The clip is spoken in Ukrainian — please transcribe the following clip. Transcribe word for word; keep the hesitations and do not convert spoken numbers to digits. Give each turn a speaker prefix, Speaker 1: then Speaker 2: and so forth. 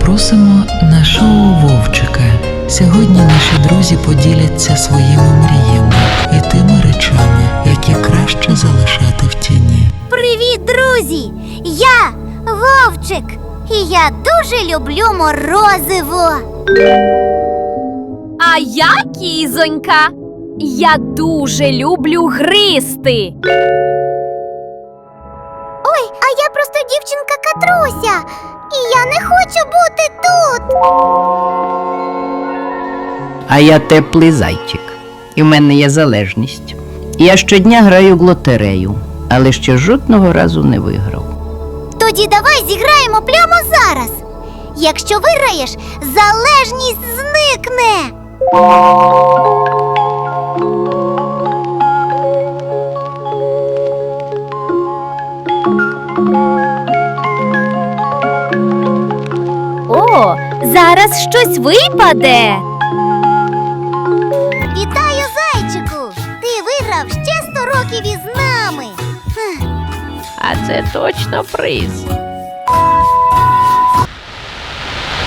Speaker 1: Запросимо на шоу Вовчика. Сьогодні наші друзі поділяться своїми мріями і тими речами, які краще залишати в тіні.
Speaker 2: Привіт, друзі! Я Вовчик, і я дуже люблю морозиво.
Speaker 3: А я Кізонька. Я дуже люблю гризти.
Speaker 2: Ой, а я просто дівчинка Катруся, і я не хочу бути тут.
Speaker 4: А я теплий зайчик. І в мене є залежність. Я щодня граю в лотерею, але ще жодного разу не виграв.
Speaker 2: Тоді давай зіграємо прямо зараз. Якщо виграєш, залежність зникне.
Speaker 3: О, зараз щось випаде.
Speaker 2: Вітаю, зайчику! Ти виграв ще сто років із нами.
Speaker 4: А це точно приз.